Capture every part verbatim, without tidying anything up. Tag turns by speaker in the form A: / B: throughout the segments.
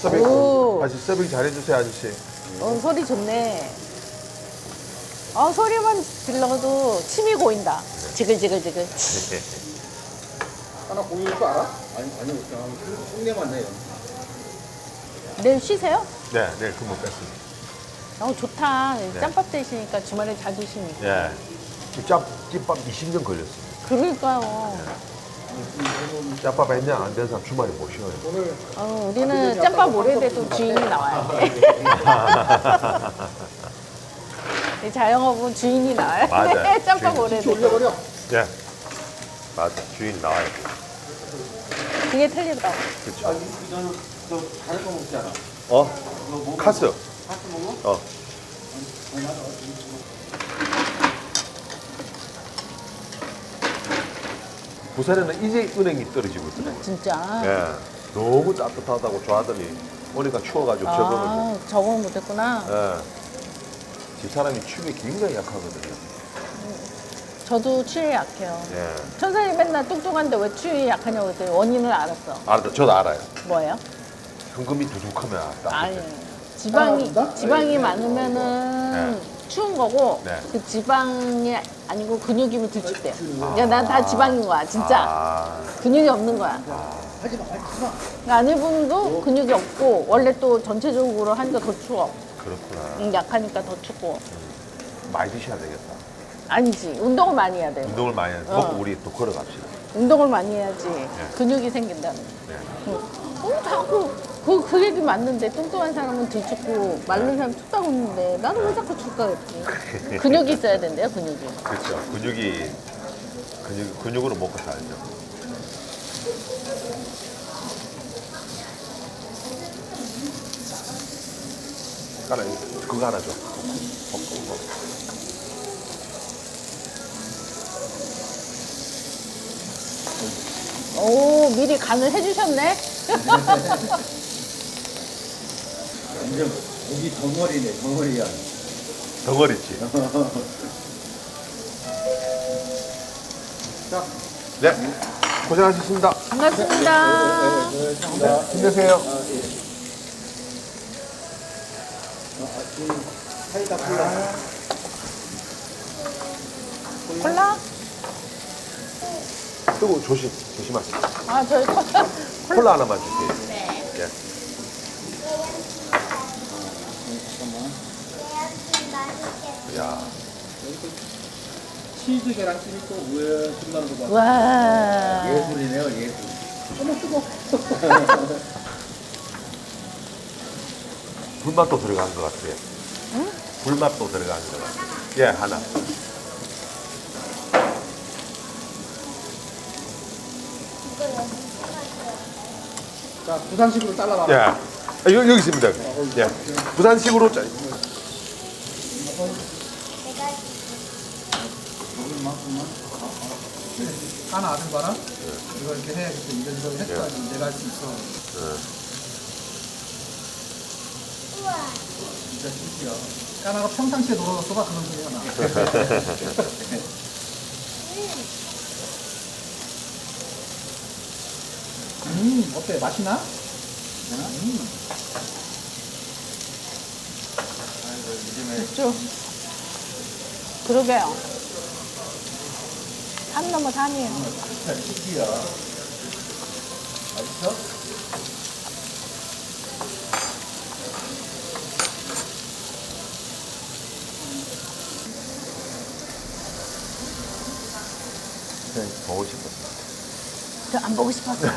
A: 서빙.
B: 오.
A: 아저씨 서빙 잘해주세요, 아저씨.
B: 어, 소리 좋네. 어, 소리만 들러도 침이 고인다. 지글지글지글.
C: 하나 공유할 거 알아? 아니, 아니요. 그냥 흉내만 내요.
B: 내일 쉬세요?
A: 네, 내일 근무 뺐습니다.
B: 어, 좋다.
A: 네.
B: 짬밥 되시니까 주말에 자주 쉬니까.
A: 예. 짭, 찐밥 이십 년 걸렸어요.
B: 그러니까요.
A: 짭밥 했냐? 안 된 사람 주말에 못 쉬어요.
C: 오늘
B: 어, 우리는 짬밥 오래돼도 주인이 나와야 돼. 이 자영업은 주인이 나와야 돼.
A: 맞아요.
B: 짬밥
A: 주인이.
B: 오래돼도.
C: 올려버려.
A: 예. 맞아. 주인 나와요.
B: 그게 틀리더라고.
A: 그렇죠.
C: 아, 이거는 저 다른 거 먹지 않아?
A: 어? 카스.
C: 카스 먹어?
A: 어. 부산에는 이제 은행이 떨어지고 있더라고요.
B: 진짜.
A: 예. 너무 따뜻하다고 좋아하더니 오니까 추워가지고 적응을 못.
B: 아, 적응 못했구나.
A: 예. 집사람이 추위에 굉장히 약하거든요.
B: 저도 추위에 약해요.
A: 예.
B: 천사님 맨날 뚱뚱한데 왜 추위에 약하냐고 그랬더니 원인을 알았어.
A: 알았다. 저도 알아요.
B: 뭐예요?
A: 현금이 부족하면 딱.
B: 아니, 지방이,
C: 아,
B: 지방이
C: 네.
B: 많으면은
A: 네.
B: 추운 거고,
A: 네.
B: 그 지방이 아니고 근육이면 들쭉대요. 야, 난 다 지방인 거야, 진짜.
A: 아.
B: 근육이 없는 거야.
C: 하지 마, 하지 마.
B: 그러니까 아내분도 근육이 없고, 원래 또 전체적으로 하니까 더 추워.
A: 그렇구나.
B: 응, 약하니까 더 춥고.
A: 많이 드셔야 되겠다.
B: 아니지, 운동을 많이 해야 돼.
A: 운동을 많이 해서
B: 어.
A: 먹고 우리 또 걸어갑시다.
B: 운동을 많이 해야지 근육이 생긴다는.
A: 네.
B: 응. 어, 자꾸 그, 그 얘기 맞는데 뚱뚱한 사람은 들춥고 마른 사람 춥다고 했는데 나는 왜 자꾸 춥다 그랬지? 근육이 있어야 된대요, 근육이.
A: 그렇죠. 근육이 근육 근육으로 먹고 살죠. 까라 그거 하나 줘. 볶음 거.
B: 오, 미리 간을 해주셨네?
C: 완전 고기 덩어리네, 덩어리야.
A: 덩어리지.
C: 자,
A: 네. 고생하셨습니다.
B: 반갑습니다.
A: 힘내세요.
C: 사이다 콜라.
B: 콜라?
A: 뜨거 조심 조심하세요.
B: 아, 저희 콜라.
A: 콜라 하나만 주세요.
B: 네.
A: 예. 야.
C: 치즈 계란찜이 또 왜 들어가는 거 봐.
B: 와.
C: 예술이네요, 예술. 어머, 뜨거.
A: 불맛도 들어간 것 같아요.
B: 응?
A: 불맛도 들어간 것 같아요. 예, 하나.
C: 자, 부산식으로 잘라봐.
A: 예. 아, 여기, 여기 있습니다. 예. 부산식으로 짜.
C: 이만큼만. 하나 아는 거라? 이거 이렇게 해야겠어. 이런 거 했어야지. 내가 할 수 있어. 진짜 신기야. 까나가 평상시에 놀아줬어봐. 그런 소리가 나. 음, 어때? 맛이 나? 음.
B: 쭉. 그러게요. 산 넘어 산이에요.
C: 진짜 신기야. 맛있어?
A: 네, 보고 싶었어요.
B: 저 안 보고 싶었어요.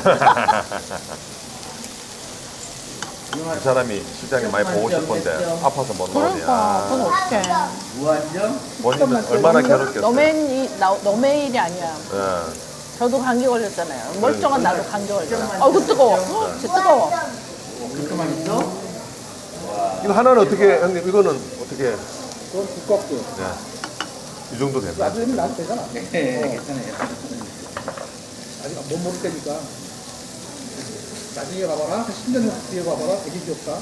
A: 그 사람이 실장님 많이 보고 싶은데 아파서 못
B: 그러니까, 그건
A: 나오냐.
B: 어떡해.
C: 무한정?
A: 본인은 얼마나 괴롭겠어요.
B: 너의, 나- 너의 일이 아니야.
A: 예.
B: 저도 감기 걸렸잖아요. 멀쩡한 나도 감기 걸렸잖아. 어우, 뜨거워. 헉, 진짜 뜨거워.
C: 그렇게만 있어?
A: 이거 하나는 어떻게, 형님, 이거는 어떻게,
C: 그건 두껍고.
A: 예. 이 정도 됩니다.
C: 나중에 나도 되잖아. 네, 괜찮아요. 아직 못 먹을 테니까. 나중에 봐봐라. 한 십 년 뒤에 봐봐라. 되게 귀엽다.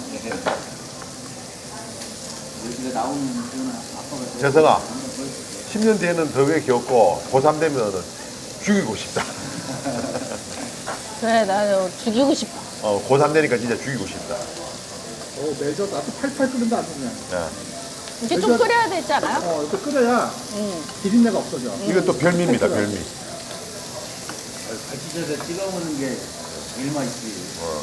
C: 여기가 나오는 그거는 아빠가
A: 재성아, 십 년 뒤에는 더 왜 귀엽고, 고삼 되면은 죽이고 싶다.
B: 그래, 나 죽이고 싶어.
A: 어, 고삼 되니까 진짜 죽이고 싶다.
C: 어, 매져. 나도 팔팔 끓는다, 아주 그냥.
A: 예.
B: 이게 좀 끓여야 되지 않아요?
C: 어, 이렇게 끓여야
B: 응.
C: 비린내가 없어져.
A: 이건 또 별미입니다, 별미.
D: 갈치젓에 찍어 먹는 게 제일 맛있지.
A: 어.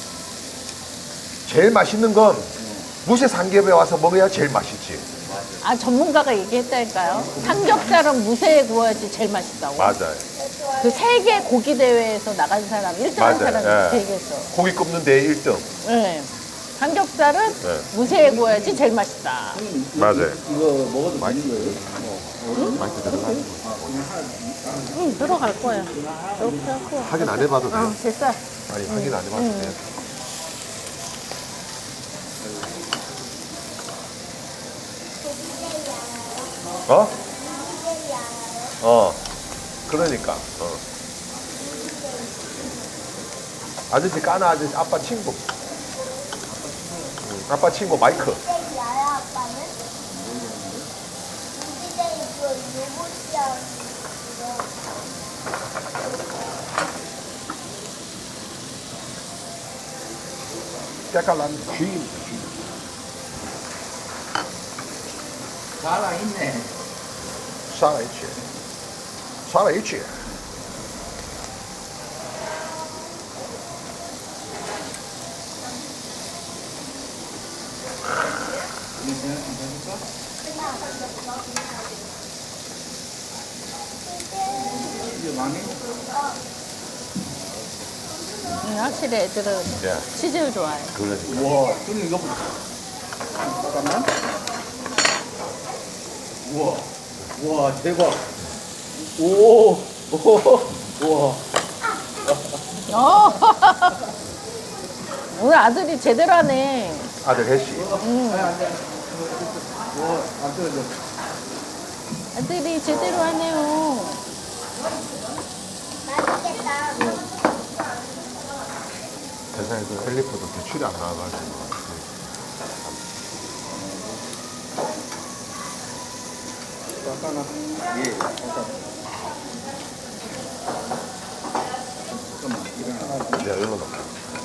A: 제일 맛있는 건 무쇠 삼겹에 와서 먹어야 제일 맛있지.
B: 아, 전문가가 얘기했다니까요. 삼겹살은 무쇠에 구워야지 제일 맛있다고.
A: 맞아요.
B: 그 세계 고기 대회에서 나간 사람, 일 등 한
A: 맞아요.
B: 사람이
A: 예.
B: 그 얘기했어.
A: 고기 굽는 데 일 등.
B: 네. 삼겹살은
A: 네.
B: 무쇠에 구워야지 제일 맛있다.
A: 맞아요.
D: 이거 먹어도 되는 거예요?
A: 맛있게 들어가는 거.
B: 응, 들어갈 거야. 이렇게 하고.
A: 확인 안 해봐도
B: 어,
A: 돼요.
B: 됐어.
A: 아니, 확인 안 해봐도 돼요. 어? 어. 그러니까. 어. 아저씨 까나 아저씨 아빠 친구. 응, 아빠 친구 마이크.
E: 야야 아빠는? 우리가 이거 로봇이야.
A: 깨깔난 쥐입니다. 쥐.
D: 살아있네.
A: 살아있지. 살아있지.
D: 이거 그냥 괜찮을까? 이게 많이?
B: 응, 확실히 애들은
A: 예.
B: 치즈를 좋아해.
A: 그러니까.
D: 우와, 좀 이거 보자.
C: 잠깐만.
D: 우와, 우와, 대박. 오, 오, 우와.
B: 어. 오늘 아들이 제대로 하네.
A: 아들 혜씨.
B: 응.
C: 아니, 안 돼.
D: 우와, 안 떨어져.
B: 아들이 제대로 하네요.
E: 맛있겠다.
A: 세상에서 엘리프도 대출이 안 나와가지고.
C: 잠깐만.
D: 예.
C: 잠깐만. 일어나.
A: 내가 일로 넣을게.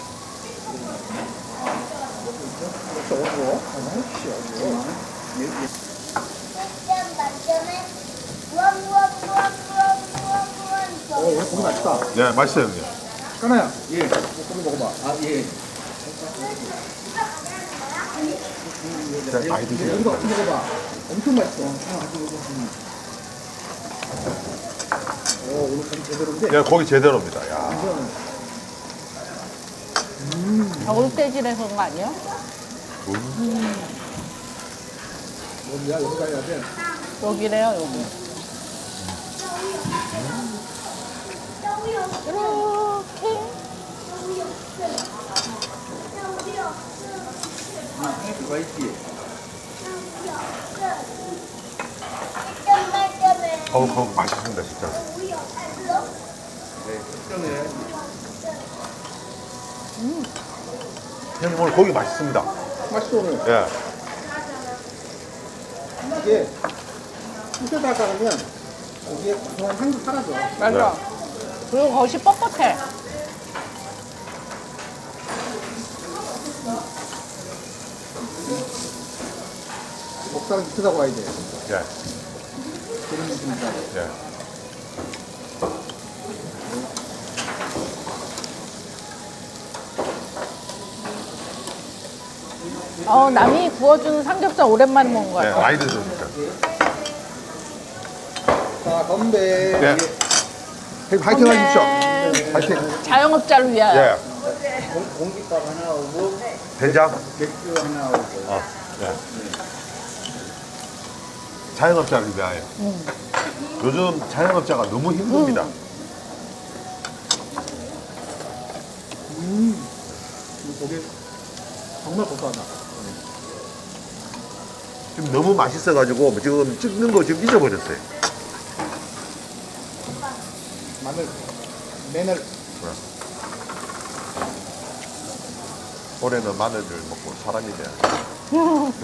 C: 이렇게 어두워. 아이씨, 어두워.
E: 일 점 만점에 우와 우와 우와 우와 우와 우와
C: 어, 이거 고기 맛있다.
A: 네, 맛있어요, 형님.
C: 까나야.
D: 예.
C: 이거 고기 먹어봐.
D: 아, 예.
A: 자, 많이 드세요.
C: 이거 어떻게 먹어봐. 엄청 맛있어. 오, 오늘 고기 제대로인데.
A: 야, 고기 제대로입니다. 야.
B: 겨울돼지라서 그런 거 아니야?
C: 뭐야, 여기 가야 돼.
B: 여기래요, 여기. 이렇게.
D: 그거 있지.
E: 일 점 만점에
A: 어우, 그거 맛있습니다, 진짜.
E: 우리 없어?
D: 네, 걱정해야지.
A: 형님, 오늘 고기 맛있습니다.
C: 맛있어, 오늘.
A: 예.
C: 이게 숯에다 가면 고기에 고소한 향도 사라져.
B: 맞아. 그리고 겉이 뻣뻣해.
C: 먹다가 밑에다 가야 돼.
A: 예.
C: 그런 느낌이다.
A: 예.
B: 어, 남이 구워주는 삼겹살 오랜만에 먹은 거
A: 네,
B: 같아.
A: 많이 드십니까?
C: 자, 건배.
A: 예. 형님, 화이팅
B: 건배.
A: 하십시오. 화이팅.
B: 자영업자를 위하여.
A: 예.
D: 공, 공깃밥 하나 오고,
A: 된장?
D: 맥주 하나 오고.
A: 어. 예. 자영업자를 위하여. 요즘 자영업자가 너무 힘듭니다.
C: 음. 이 고기 정말 고소하다.
A: 지금 너무 맛있어가지고 지금 찍는 거 지금 잊어버렸어요.
C: 마늘, 매늘.
A: 올해는 마늘을 먹고 사람이 돼야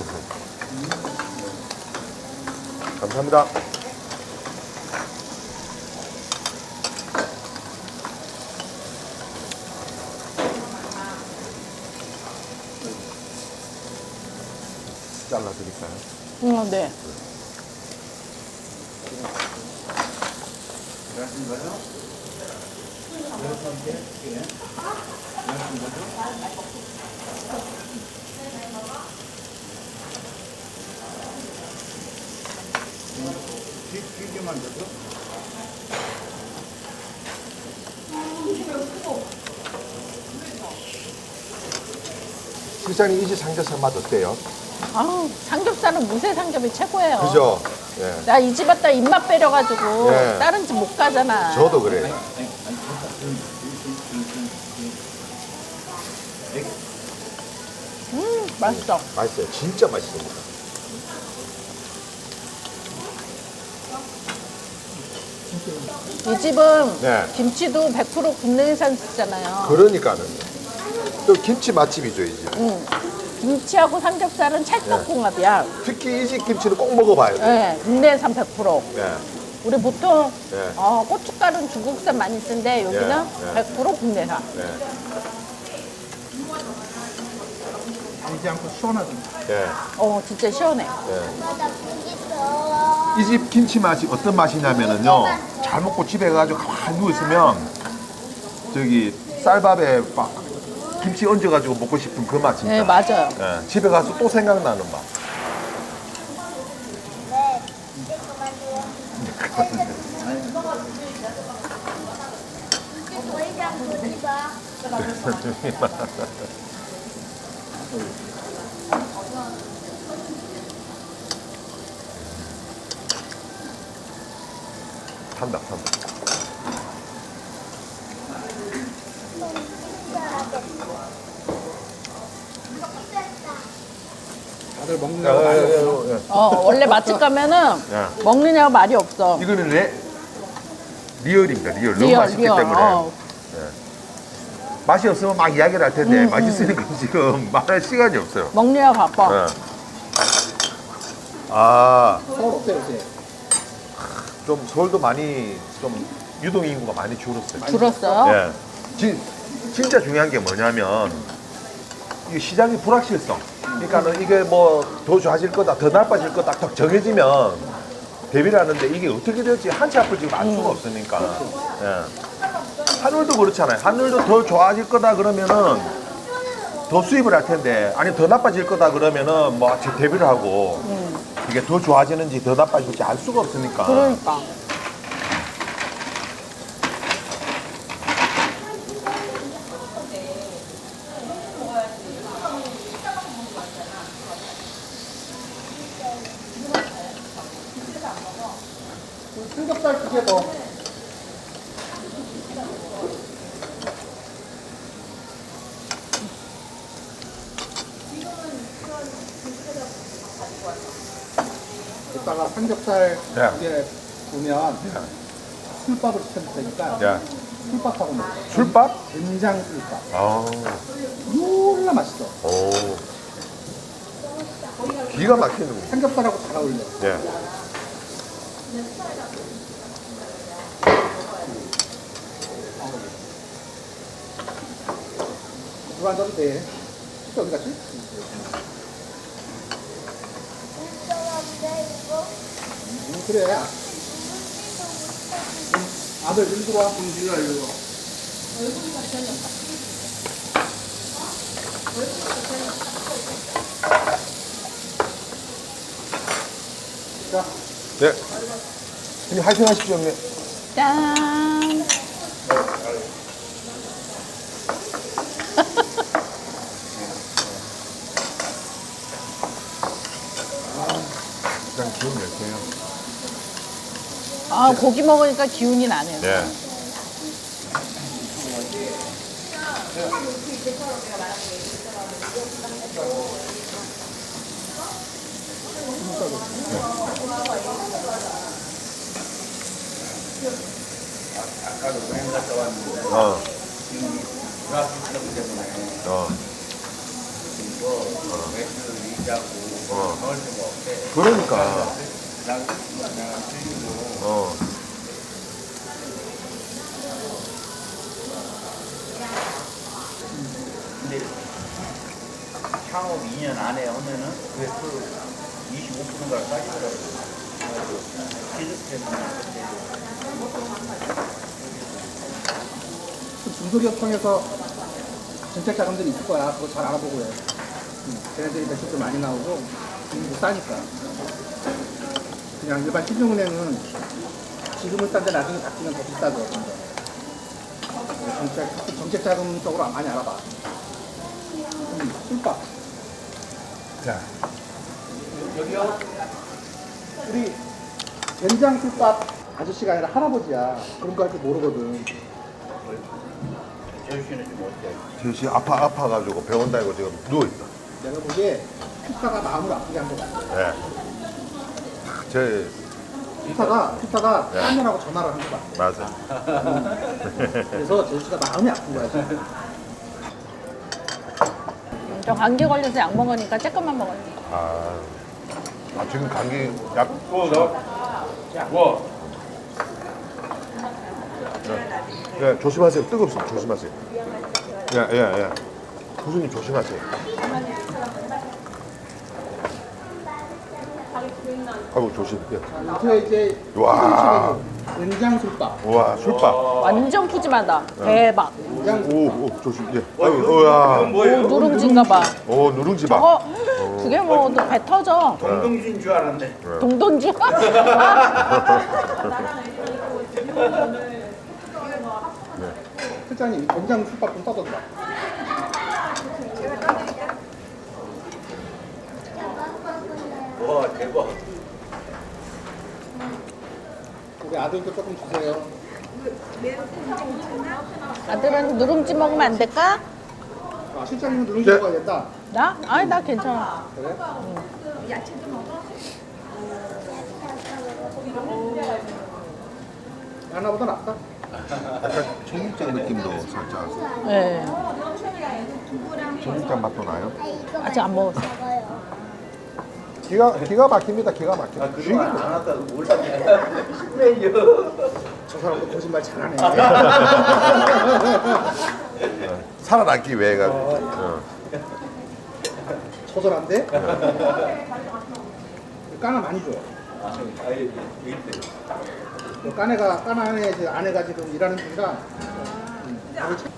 A: 감사합니다. 잘라드릴까요?
B: 응, 네.
D: 들어가신 거죠? 들어가신 게 예. 들어가신 거죠? 튀- 튀기만 줘도
A: 실장님 이 집 삼겹살 맛 어때요?
B: 아우, 삼겹살은 무쇠 삼겹이 최고예요.
A: 그죠? 예.
B: 나 이 집 왔다 입맛 빼려가지고
A: 네.
B: 다른 집 못 가잖아.
A: 저도 그래요.
B: 음, 맛있어.
A: 맛있어요. 진짜 맛있습니다.
B: 이 집은
A: 네.
B: 김치도 백 퍼센트 국내산 쓰잖아요.
A: 그러니까는. 또 김치 맛집이죠, 이 집.
B: 응. 김치하고 삼겹살은 찰떡궁합이야.
A: 특히 이 집 김치는 꼭 먹어봐야 돼요.
B: 네, 국내산 백 퍼센트.
A: 네.
B: 우리 보통
A: 네.
B: 어, 고춧가루는 중국산 많이 쓰는데 여기는
A: 네, 네.
B: 백 퍼센트 국내산.
A: 네.
C: 달지 않고 시원하던데.
A: 네.
B: 어, 진짜 시원해.
E: 바다 고기 써.
A: 이 집 김치 맛이 어떤 맛이냐면은요, 잘 먹고 집에 가가지고 가만히 누워있으면 저기 쌀밥에 막 김치 얹어가지고 먹고 싶은 그 맛 진짜.
B: 네, 맞아요.
A: 예, 집에 가서 또 생각나는 맛.
E: 네. 이제 그만 줘. 더 이상 보지 마.
A: 탄다, 탄다.
C: 다들 먹는
A: 야,
C: 거
A: 야,
C: 많이
A: 야,
C: 없어.
A: 야, 야.
B: 어, 원래 맛집 가면은
A: 야.
B: 먹느냐고 말이 없어.
A: 이거는 레, 리얼입니다, 리얼. 너무
B: 리얼,
A: 맛있기
B: 리얼.
A: 때문에.
B: 어.
A: 맛이 없으면 막 이야기를 할 텐데,
B: 음,
A: 맛있으니까 지금 말할 시간이 없어요.
B: 먹느냐고 바빠.
A: 예. 아,
C: 서울 어때 요새?
A: 좀 서울도 많이, 좀 유동 인구가 많이 줄었어요.
B: 줄었어요?
A: 예. 진, 진짜 중요한 게 뭐냐면 이 시장의 불확실성. 그러니까는 이게 뭐 더 좋아질 거다, 더 나빠질 거다 딱 정해지면 대비를 하는데 이게 어떻게 될지 한치 앞을 지금 알 수가 없으니까. 예. 한울도 그렇잖아요. 한울도 더 좋아질 거다 그러면은 더 수입을 할 텐데, 아니 더 나빠질 거다 그러면은 뭐 대비를 하고 이게 더 좋아지는지 더 나빠질지 알 수가 없으니까.
B: 그러니까.
C: 삼겹살 두 개 더. 이따가 삼겹살
A: 네.
C: 두 개 보면 술밥을 시켜줄 테니까
A: 야,
C: 술밥하고 먹어.
A: 술밥?
C: 된장 술밥.
A: 아,
C: 졸라 맛있어.
A: 오. 기가 막히는 거.
C: 삼겹살하고 잘 어울려.
A: 예.
C: 누가 앉아도 돼. 진짜 어디 갔지?
E: 인정한데 이거.
C: 음, 그래. 아들 일 들어와.
D: 공주가 이거
C: 자,
A: 네. 형님 화이팅 하십시오, 형님.
B: 짠.
A: 일단 기운 내세요.
B: 아, 고기 먹으니까 기운이 나네요.
A: 네.
D: 아까도 여행 갔다 왔는데
A: 어,
D: 트라피크 때문에
A: 어,
D: 이거 맥주 리자고
A: 어.
D: 넣을 수가 없대.
A: 그러니까.
D: 난 그냥 들리고
A: 어.
D: 근데 창업 이 년 안에 하면은 그래서 이십오 퍼센트가 싸지더라고요. 기득템이나
C: 그 중소기업청에서 정책 자금들이 있을 거야. 그거 잘 알아보고 해. 응. 걔네들이 매출도 많이 나오고 금리도 싸니까. 그냥 일반 신용은행은 지금은 싼데 나중에 바뀌면 더 비싸죠. 근데. 정책, 정책 자금 쪽으로 많이 알아봐. 음, 술밥.
A: 자,
C: 여기요. 우리 된장 술밥 아저씨가 아니라 할아버지야. 그런 거 할 줄 모르거든.
D: 재우 씨는 좀 어때요?
A: 제시 아파 아파가지고 병원 다니고 지금 누워 있다.
C: 내가 보기에 피타가 마음을 아프게 한 거 같아.
A: 네. 제
C: 피타가 피타가
A: 네.
C: 딴년하고 전화를 한 거 같아.
A: 맞아.
C: 그래서 제시가 마음이 아픈 거야 지금.
B: 음, 저 감기 걸려서 약 먹으니까 조금만 먹었지.
A: 아, 아 지금 감기 약.
D: 어, 나. 와.
A: 네, 조심하세요. 뜨겁습니다. 조심하세요. 예, 예, 예. 교수님 조심하세요. 아이고 조심. 예.
C: 요새 이제
A: 와.
C: 된장 술밥.
A: 와 술밥.
B: 완전 푸짐하다. 대박.
C: 된장
A: 오, 오 조심. 예. 아이고, 어야.
B: 오, 누룽지인가 봐.
A: 오 누룽지밥.
B: 저거 두 개 먹어도 배 터져.
D: 동동진 줄 알았네.
B: 동동주.
C: 실장님 이 된장 술밥 좀 떠들어봐.
D: 와, 대박.
C: 우리 아들도 조금 주세요.
B: 아들은 누룽지 먹으면 안 될까?
C: 아 실장님은 누룽지
A: 네.
C: 먹어야 된다.
B: 나? 아니 나 괜찮아.
C: 그래? 하나보다 낫다.
A: 약간 청국장 느낌도 살짝.
B: 네.
A: 청국장 맛도 나요.
E: 아, 이거
B: 아직 안 먹었어.
E: 먹어요.
A: 기가 기가 막힙니다. 기가 막혀.
D: 아, 그동안 안 왔다고 몰랐네. 메뉴.
C: 저 사람도 거짓말 잘하네.
A: 살아남기 위해 가지고. 어.
C: 처절한데? 까나 많이 줘.
D: 아, 아예 있대.
C: 그 까네가 까나 안에 이제 아내가 지금 일하는 중이라. 음, 밥을 참-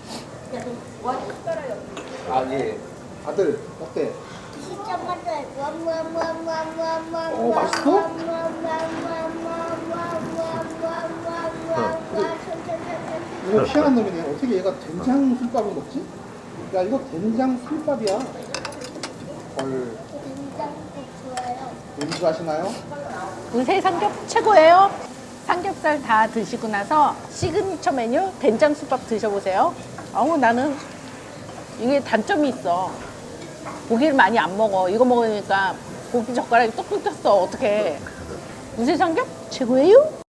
D: 아, 예.
C: 아들 어때?
E: 진짜 맛있어요. 와와와와와와.
C: 오, 맛있어? 이거 희한한 놈이네. 어떻게 얘가 된장 술밥을 먹지? 야 이거 된장 술밥이야. 헐.
E: 된장국 좋아요.
C: 연주 하시나요?
B: 우세 삼겹 최고예요. 삼겹살 다 드시고 나서 시그니처 메뉴 된장국밥 드셔보세요. 어우 나는 이게 단점이 있어. 고기를 많이 안 먹어. 이거 먹으니까 고기 젓가락이 뚝뚝 떴어. 어떡해. 우세 삼겹 최고예요.